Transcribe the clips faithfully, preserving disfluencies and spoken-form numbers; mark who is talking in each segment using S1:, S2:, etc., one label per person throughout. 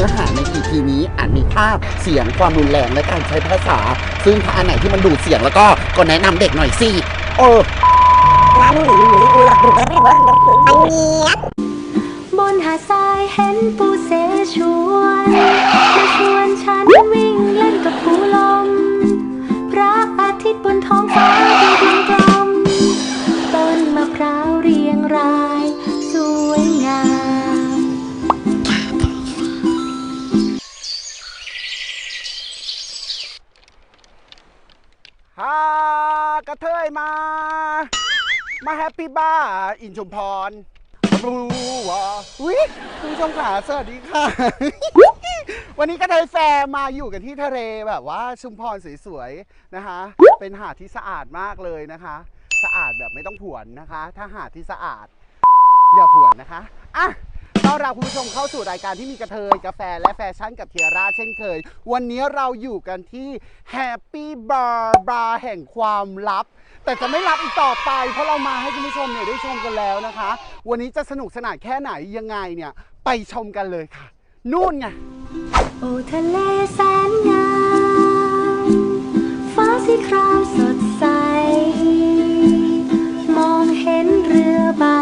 S1: อหาใน อี พี นี้อาจมีภาพเสียงความรุนแรงและการใช้ภาษาซึ่งถ้าอันไหนที่มันดูดเสียงแล้วก็ก็แนะนำเด็กหน่อยสิเออบ
S2: นหาดทรายเห็นปูเสฉวนมาชวนฉันวิ่งเล่นกับปูลมพระอาทิตย์บนท้องฟ้าดูกลมๆต้นมะพร้าวเรียงรายสวยงาม
S1: ฮ่ากระเทยมามาแฮปปี้บ้าอินชุมพรรู้ว่าอุ้ยคุณผู้ชมขาสวัสดีค่ะ วันนี้กระเทยแฟร์มาอยู่กันที่ทะเลแบบว่าชุมพรสวยๆนะคะเป็นหาดที่สะอาดมากเลยนะคะสะอาดแบบไม่ต้องผวนนะคะถ้าหาดที่สะอาดอย่าผวนนะคะอ่ะต้อนรับคุณผู้ชมเข้าสู่รายการที่มีกระเทยกาแฟและแฟชั่นกับเทียร่าเช่นเคยวันนี้เราอยู่กันที่แฮปปี้บาร์บาร์แห่งความลับแต่จะไม่รับอีกต่อไปเพราะเรามาให้คุณผู้ชมเนี่ยได้ชมกันแล้วนะคะวันนี้จะสนุกสนานแค่ไหนยังไงเนี่ยไปชมกันเลยค่ะนู่นไง
S2: โอ้ทะเลแสนงามฟ้าสีครามสดใสมองเห็นเรือใบ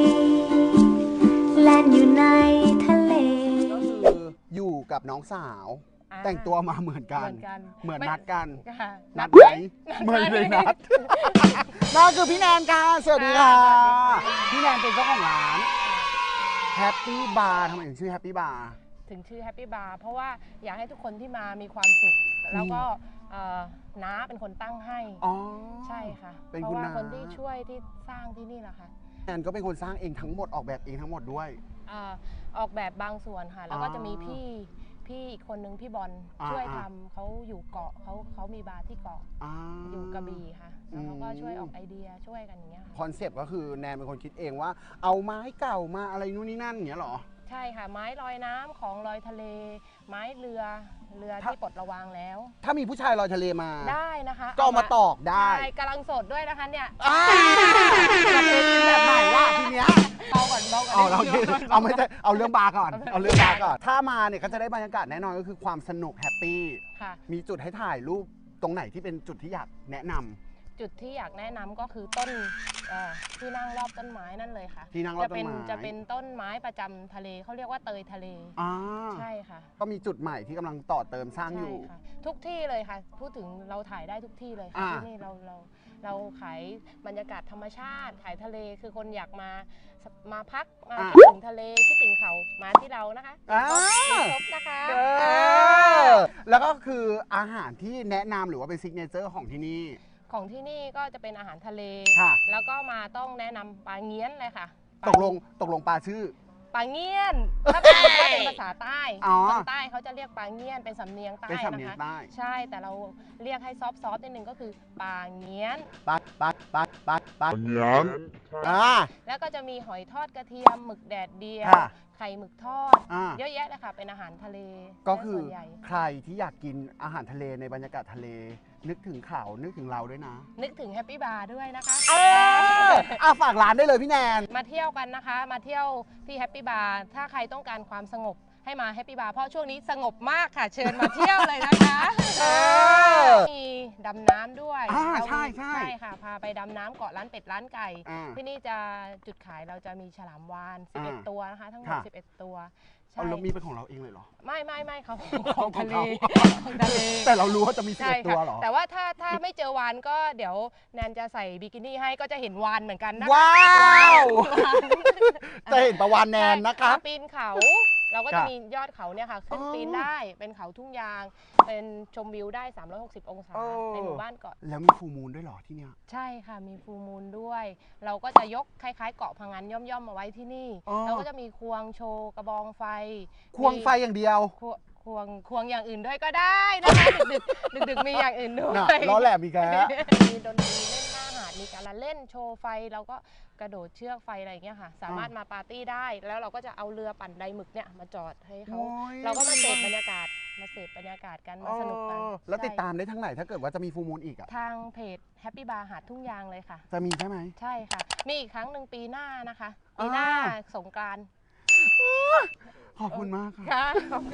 S2: แล่นอยู่ในทะเล
S1: ก็คืออยู่กับน้องสาวแต่งตัวมาเหมือนกันเหมือนนัดกันนัดไหมไม่ได้นัดนั่นคือพี่แนนค่ะสวัสดีค่ะพี่แนนเป็นเจ้าของร้านแฮปปี้บาร์ทำไมถึงชื่อแฮปปี้บาร์
S3: ถึงชื่อแฮปปี้บาร์เพราะว่าอยากให้ทุกคนที่มามีความสุขแล้วก็น้าเป็นคนตั้งให้อ๋อใช่ค่ะเพราะว่าคนที่ช่วยที่สร้างที่นี่แหละค่ะ
S1: แนนก็เป็นคนสร้างเองทั้งหมดออกแบบเองทั้งหมดด้วย
S3: ออกแบบบางส่วนค่ะแล้วก็จะมีพี่พี่อีกคนนึงพี่บอลช่วยทำเขาอยู่เกาะเขาเขามีบาร์ที่เกาะอยู่กระบี่ค่ะแล้วเขาก็ช่วยออกไอเดียช่วยกันอย่างเงี้ย
S1: คอนเซปต์ก็คือแนนเป็นคนคิดเองว่าเอาไม้เก่ามาอะไรนู่นนี่นั่นอย่างเงี้ยหรอ
S3: ใช่ค่ะไม้ลอยน้ำของลอยทะเลไม้เรือเรือที่ปลดระวางแล้ว
S1: ถ้ามีผู้ชายลอยทะเลมา
S3: ได้นะคะ
S1: ก็เอามาตอกได้
S3: ใช่กำลังสดด้วยนะคะเนี่ย
S1: แบบไหนล่ะทีเนี้ย
S3: เบาก่อนเบาก่อน
S1: เอาเราเอาไม่ใช่เอาเรื่องบาร์ก่อนเอาเรื่องบาร์ก่อนถ้ามาเนี่ยก็จะได้บรรยากาศแน่นอนก็คือความสนุกแฮปปี้มีจุดให้ถ่ายรูปตรงไหนที่เป็นจุดที่อยากแนะนำ
S3: จุดที่อยากแนะนำก็คือต้นที่นั่งรอบต้นไม้นั่นเลยค่ะ
S1: ที่นั่งรอบต้นไม้
S3: จะเป็นต้นไม้ประจำทะเลเขาเรียกว่าเตยทะเลใช่ค่ะ
S1: ก็มีจุดใหม่ที่กำลังต่อเติมสร้างอยู่
S3: ทุกที่เลยค่ะพูดถึงเราถ่ายได้ทุกที่เลยค่ะที่นี่เราเราเราขายบรรยากาศธรรมชาติขายทะเลคือคนอยากมามาพักมาคิดถึงทะเลคิดถึงเขามาที่เรานะคะครบนะคะ
S1: แล้วก็คืออาหารที่แนะนำหรือว่าเป็นซิกเนเจอร์ของที่นี่
S3: ของที่นี่ก็จะเป็นอาหารทะเลแล้วก็มาต้องแนะนำปลาเงี้ยนเลยค่ะ
S1: ตกลงตกลงปลาชื่อ
S3: ปลาเงี้ยนถ้าเป็นเป็นภาษาใต้คนใต้เขาจะเรียกปลาเงี้ยนเป็นสำเนียงใต้นะคะใช่แต่เราเรียกให้ซอฟต์ๆนิดนึงก็คือปลาเงี้ยน
S1: ปลาปลาปลาปลาปลาเงี้ยน
S3: แล้วก็จะมีหอยทอดกระเทียมหมึกแดดเดียวไข่หมึกทอดเยอะแยะเลยค่ะเป็นอาหารทะเล
S1: ก็คือใครที่อยากกินอาหารทะเลในบรรยากาศทะเลนึกถึงเขานึกถึงเราด้วยนะ
S3: นึกถึงแฮปปี้บาร์ด้วยนะคะ
S1: เอออาฝากร้านได้เลยพี่แนน
S3: มาเที่ยวกันนะคะมาเที่ยวที่แฮปปี้บาร์ถ้าใครต้องการความสงบให้มาแฮปปี้บาร์เพราะช่วงนี้สงบมากค่ะเชิญมาเที่ยวเลยนะคะมีดำน้ำด้วย
S1: ใช่ใช่
S3: ใช่ค่ะพาไปดำน้ำเกาะร้านเป็ดร้านไก่ที่นี่จะจุดขายเราจะมีฉลามวาฬสิบเอ็ดตัวนะคะทั้งหมดสิบเอ็ดตัว
S1: เรามีเป็นของเราเองเลยเหรอ
S3: ไม่ไม่ไม่เขาของทะเลของทะเล
S1: แต่เรารู้ว่าจะมีสิบเอ็ดตัวเหรอ
S3: แต่ว่าถ้าถ้าไม่เจอวานก็เดี๋ยวแนนจะใส่บิกินี่ให้ก็จะเห็นวานเหมือนกันนะ
S1: ว้าวจะเห็นปลาวานแนนนะคะ
S3: ปีนเขาเราก็จะมียอดเขาเนี่ยค่ะขึ้นปีนได้เป็นเขาทุ่งยางเป็นชมวิวได้สามร้อยหกสิบองศาในหมู่บ้านเกาะ
S1: แล้วมีฟูมูลด้วยเหรอที่เนี่ย
S3: ใช่ค่ะมีฟูมูลด้วยเราก็จะยกคล้ายๆเกาะพังงานย่อมๆมาไว้ที่นี่เราก็จะมีควงโชว์กระบองไฟ
S1: ควงไฟอย่างเดียว
S3: ควงควงอย่างอื่นด้วยก็ได้นะคะดึกดึกดึกมีอย่างอื่นด้วย
S1: ล้อแหลมมีแก
S3: มีดนตรีเล่นหน้าหาดมีการละเล่นโชว์ไฟเราก็กระโดดเชือกไฟอะไรอย่างเงี้ยค่ะสามารถมาปาร์ตี้ได้แล้วเราก็จะเอาเรือปั่นไดหมึกเนี่ยมาจอดให้เขาเราก็มาเสพบรรยากาศมาเสพบรรยากาศกันมาสนุกกัน
S1: แล้วติดตามได้ทั้งไหนถ้าเกิดว่าจะมีฟูมูลอีกอะ
S3: ทางเพจแฮปปี้บาร์หาดทุ่งยางเลยค่ะ
S1: จะมีใช่ไหม
S3: ใช่ค่ะมีอีกครั้งหนึ่งปีหน้านะคะปีหน้าสงกรานต์
S1: ขอบคุณมากค่ะ
S3: ค่ะขอบคุณ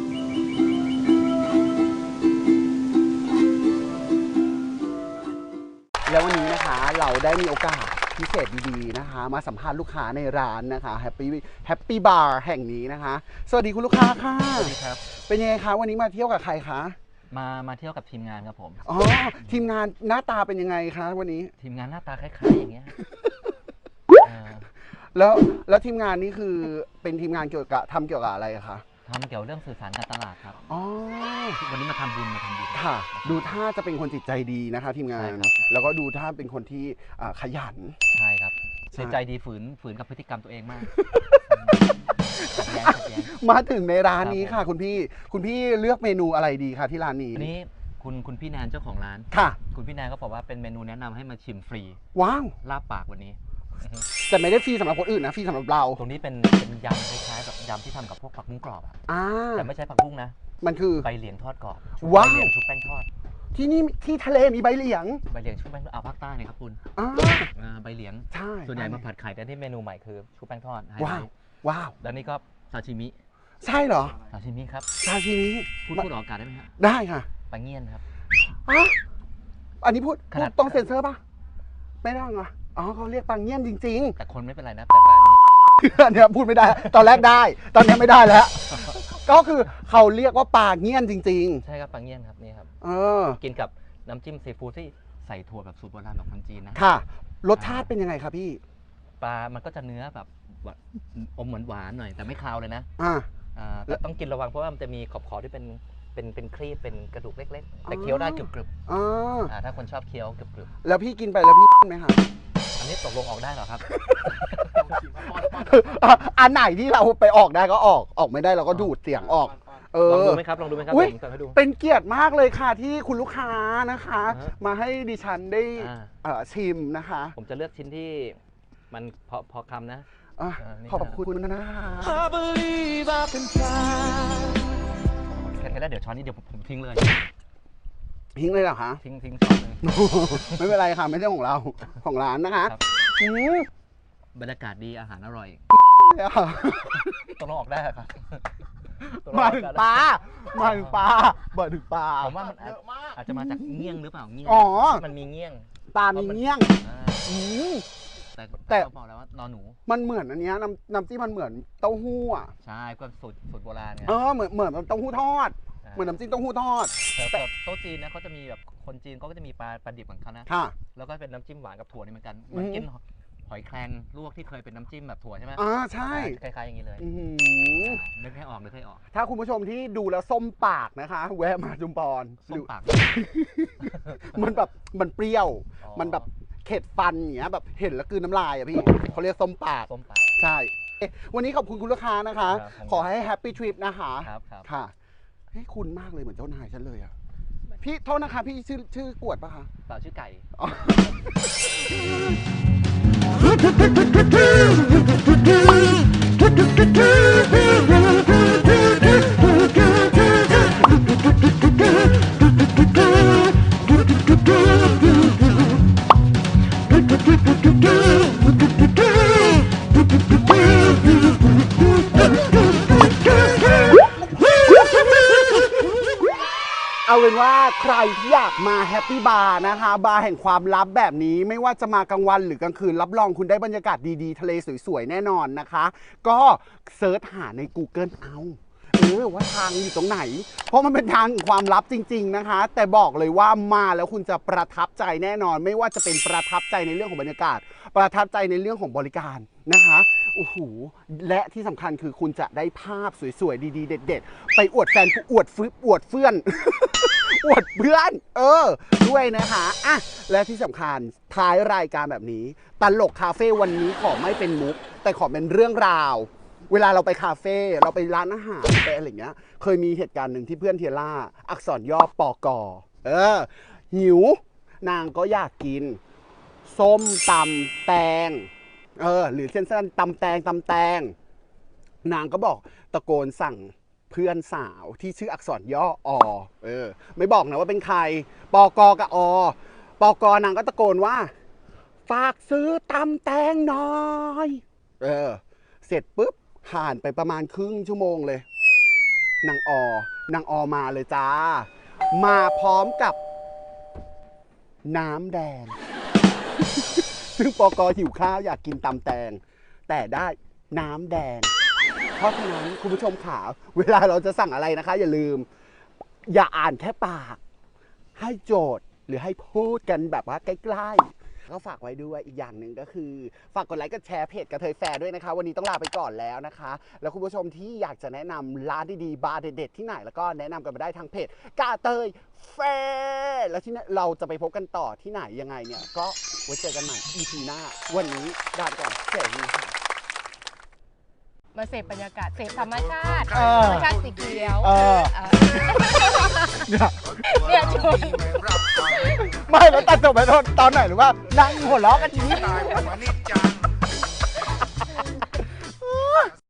S1: แล้ววันนี้นะคะเราได้มีโอกาสพิเศษดีๆนะคะ มาสัมภาษณ์ลูกค้าในร้านนะคะ Happy Happy Bar แห่งนี้นะคะ สวัสดีคุณลูกค้าค่ะ
S4: สวัสดีครับ
S1: เป็นยังไงคะวันนี้มาเที่ยวกับใครคะ
S4: มา มาเที่ยวกับทีมงานครับผม
S1: อ๋อทีมงานหน้าตาเป็นยังไงคะวันนี้
S4: ทีมงานหน้าตาคล้ายๆอย่างเงี้ยเอ่อ
S1: แล้วแล้วทีมงานนี้คือเป็นทีมงานเกี่ยวกับทำเกี่ยวกับอะไรอะคะ
S4: ทำเกี่ยวเรื่องสื่อสารการตลาดครับ
S1: อ๋อ
S4: วันนี้มาทำบุญมาทำบุญ
S1: ค่ะ ดูท่าจะเป็นคนจิตใจดีนะคะ ทีมงาน
S4: ใช่ครับ
S1: แล้วก็ดูท่าเป็นคนที่อ่าขยัน
S4: ใช่ครับ
S1: ใช่
S4: ใจใจดีฝืนฝืนกับพฤติกรรมตัวเองมากขัดแย้งขัดแย้ง
S1: มาถึงในร้านนี้
S4: ครั
S1: ค่ะ
S4: บผม
S1: คุณพี่คุณพี่เลือกเมนูอะไรดีคะที่ร้านนี้
S4: อันนี้คุณคุณพี่แนนเจ้าของร้าน
S1: ค่ะ
S4: คุณพี่แนนก็บอกว่าเป็นเมนูแนะนำให้มาชิมฟรี
S1: ว้าว
S4: ลาบปากวันนี้อือฮึ
S1: แต่ไม่ได้ฟรีสำหรับคนอื่นนะฟรีสำหรับเรา
S4: ตรงนี้เป็นเป็นยำคล้ายๆแบบยำที่ทำกับพวกผักบุ้งกรอบอะ
S1: อ่า
S4: แต่ไม่ใช่ผักบุ้งนะ
S1: มันคือ
S4: ใบเหลียงทอดกรอบ
S1: ว้าว
S4: ใบเหลียงชุบแป้งทอด
S1: ที่นี่ที่ทะเลมีใบเหลียง
S4: ใบเหลียงชุบแป้งทอดเอาภาคใต้เนี่ยครับคุณ
S1: อ่า
S4: อ่าใบเหลียง
S1: ใช่
S4: ส่วนใหญ่มาผัดไข่แต่ที่เมนูใหม่คือชุบแป้งทอดไฮไล
S1: ว้าว
S4: ท์
S1: ว้าว
S4: แล้วนี่ก็ซาชิมิ
S1: ใช่เหรอ
S4: ซาชิมิครับ
S1: ซาชิมิ
S4: พูดพูดออกอากาศได้ไหมฮะ
S1: ได้ค่ะ
S4: ปลาเงี้ยนครับ
S1: อ่ะอันนี้พูด
S4: ข
S1: พู
S4: นา
S1: ด
S4: ด
S1: ต้องเซ็นเซอร์ป่ะ ไม่ได้เหรออ๋อเขาเรียกปังเงี้ยนจริง
S4: แต่คนไม่เป็นไรนะแต่ปลาเงี้ยน
S1: ๆ อันเนี้ยพูดไม่ได้ ตอนแรกได้ ตอนนี้ไม่ได้แล้ว ก็คือเขาเรียกว่าปลาเงี้ยนจริง
S4: ใช่ครับปลาเงี้ยนครับนี่ครับ
S1: ๆ เออ
S4: กินกับน้ำจิ้มซีฟู้ดที่ใส่ถั่วแบบสูตรโบราณแบบคนจีนนะ
S1: ค่ะ รสชาติเป็นยังไงครับพี่
S4: ปลามันก็จะเนื้อแบบหวานอมเหมือนหวานหน่อยแต่ไม่คาวเลยนะ
S1: อ่า
S4: อ่าแต่ต้องกินระวังเพราะว่ามันจะมีขอบขอบที่เป็นเป็นเป็นครีบเป็นกระดูกเล็กๆแต่เคี้ยวได้กรึบ
S1: อ่า
S4: ๆอ่าถ้าคนชอบเคี้ยวกรึบ
S1: แล้วพี่กินไปแล้วพี่ไหมคะ
S4: ๆอันนี้ตกลงออกได้เหรอครับ
S1: อ่ะอันไหนที่เราไปออกได้ก็ออก ออกไม่ได้เราก็ดูดเสียงออก เอ
S4: ลอง
S1: อ
S4: ดูไหมครับลองดูไหมครับ
S1: อุ๊ย
S4: เดี๋ยวผมสั่งให้ดู
S1: เป็นเกียรติมากเลยค่ะที่คุณลูกค้านะคะ
S4: อ่าฮะ
S1: มาให้ดิฉันได้
S4: อ่า
S1: เอ่อชิมนะคะ
S4: ผมจะเลือกชิ้นที่มันพอพอคำนะ
S1: อ่ะ
S4: อ่านี่
S1: ขอบคุณนะคะ
S4: แค่นั้นเดี๋ยวช้อนนี้เดี๋ยวผมผมทิ้งเลย
S1: ทิ้งเลยเหรอคะ
S4: ทิ้งทิ้งช้อนเลย
S1: ไม่เป็นไรค่ะ ไม่ใช่ของเรา ของร้านนะคะ
S4: ครับ
S1: อืม
S4: บรรยากาศดีอาหารอร่อย
S1: เนี่ยค่ะ
S4: ตกลงออกได้เหรอครับตกล
S1: มา
S4: ออก
S1: ถึง
S4: ได้
S1: ปลามาถึงปลามาถึงปลา
S4: ผมว่ามันอาจอาจจะมาจากเงี้ยงหรือเปล่าเงี้ยง
S1: อ๋อ
S4: มันมีเงี้ยง
S1: ปลามีเงี้ยง
S4: อ่า
S1: อืม
S4: แต่
S1: แต่
S4: แต่เขาบอกแล้วว่านอนหนู
S1: มันเหมือนอันเนี้ยน้ำน้ำจิ้มมันเหมือนเต้าหู้อ่ะ
S4: ใช่ก็สูตรสูตรโบราณไง
S1: เออเหมือนเหมือนเต้าหู้ทอด
S4: า
S1: เหมือนน้ำจิ้มเต้าหู้ทอด
S4: แต่แต่โต๊ะจีนนะเขาจะมีแบบคนจีนเขาก็จะมีปลาปลาดิบของเขานะ
S1: ค่ะ
S4: แล้วก็เป็นน้ำจิ้มหวานกับถั่วนี่เหมือนกัน
S1: อืม
S4: เหมันกินหอยแครงลวกที่เคยเป็นน้ำจิ้มแบบถั่วใช่ไหม
S1: อ่าใช่
S4: คล้ายๆอย่างนี้เลย
S1: อื้อหือ
S4: นึกให้ออกนึกให้ออก
S1: ถ้าคุณผู้ชมที่ดูแล้วส้มปากนะคะ แวะมาจุมพร
S4: ส้มปาก
S1: มันแบบมันเปรี้ยว
S4: อ๋อ
S1: มันแบบเข็ดฟันอย่างเงี้ยแบบเห็นแล้วกลืนน้ำลายอ่ะพี่เขาเรียกส้มปาก
S4: ส้มปาก
S1: ใช่เอ๊ะวันนี้ขอบคุณคุณลูกค้านะคะ
S4: ครับ
S1: ขอให้แฮปปี้ทริปนะคะ
S4: ครับครับ
S1: ค่ะเฮ้ยคุณมากเลยเหมือนเจ้านายฉันเลยอ่ะพี่โทษนะคะพี่ชื่อชื่อกวดปะคะ
S4: เปล่าชื่อไก่
S1: อ๋อ เอาเป็นว่าใครที่อยากมาแฮปปี้บาร์นะคะ บาร์แห่งความลับแบบนี้ไม่ว่าจะมากลางวันหรือกลางคืน รับรองคุณได้บรรยากาศดีๆ ทะเลสวยๆ แน่นอนนะคะ ก็เซิร์ชหาใน Google เอาเออว่าทางอยู่ตรงไหน เพราะมันเป็นทางความลับจริงๆนะคะ แต่บอกเลยว่ามาแล้วคุณจะประทับใจแน่นอน ไม่ว่าจะเป็นประทับใจในเรื่องของบรรยากาศ ประทับใจในเรื่องของบริการนะคะโอ้โหและที่สำคัญคือคุณจะได้ภาพสวยๆดีๆเด็ดๆไปอวดแฟนอวดฟื้อวดเฟื่อน อวดเพื่อน เออ ด้วยนะคะอ่ะและที่สำคัญท้ายรายการแบบนี้ตลกคาเฟ่วันนี้ขอไม่เป็นมุก แต่ขอเป็นเรื่องราว เวลาเราไปคาเฟ่เราไปร้านอาหารไปอะไรอย่างเงี้ย เคยมีเหตุการณ์หนึ่งที่เพื่อนเทียร่าอักษรย่อปอกอเออ หิว นางก็อยากกิน ส้มตำแตง เออ หรือเส้นๆตำแตงตำแตง นางก็บอกตะโกนสั่งเพื่อนสาวที่ชื่ออักษรย่ออเออ ไม่บอกนะว่าเป็นใครปอกอกับอปอกอนางก็ตะโกนว่า ฝากซื้อตำแตงหน่อย เออ เสร็จปุ๊บผ่านไปประมาณครึ่งชั่วโมงเลยนางออนางออมาเลยจ้า มาพร้อมกับน้ำแดง ซึ่งปกหิวข้าวอยากกินตำแตง แต่ได้น้ำแดง เพราะฉะนั้นคุณผู้ชมขาเวลาเราจะสั่งอะไรนะคะ อย่าลืม อย่าอ่านแค่ปาก ให้โจทย์หรือให้พูดกันแบบว่าใกล้ๆก็ฝากไว้ด้วยอีกอย่างหนึ่งก็คือ ฝากกดไลค์กดแชร์เพจกระเทยแฟร์ด้วยนะคะ วันนี้ต้องลาไปก่อนแล้วนะคะ แล้วคุณผู้ชมที่อยากจะแนะนำร้านดีๆบาร์เด็ดๆที่ไหนแล้วก็แนะนำกันมาได้ทางเพจกระเทยแฟร์แล้วที่นั่นเราจะไปพบกันต่อที่ไหนยังไงเนี่ยก็ไว้เจอกันใหม่ อี พี หน้าวันนี้ลาไปก่อนสวัสดีค่ะ
S3: มาเสพบรรยากาศเสพธรรมชาติ
S1: เออ
S3: ธรรมชาติสีเขียว
S1: เออ
S3: เออเนี่ยชวน
S1: ไม่แล้วตัดจบไปตอนไหนหรือว่านั่งหัวเราะกันทีนี้
S5: ได้ประมาณนี้จาน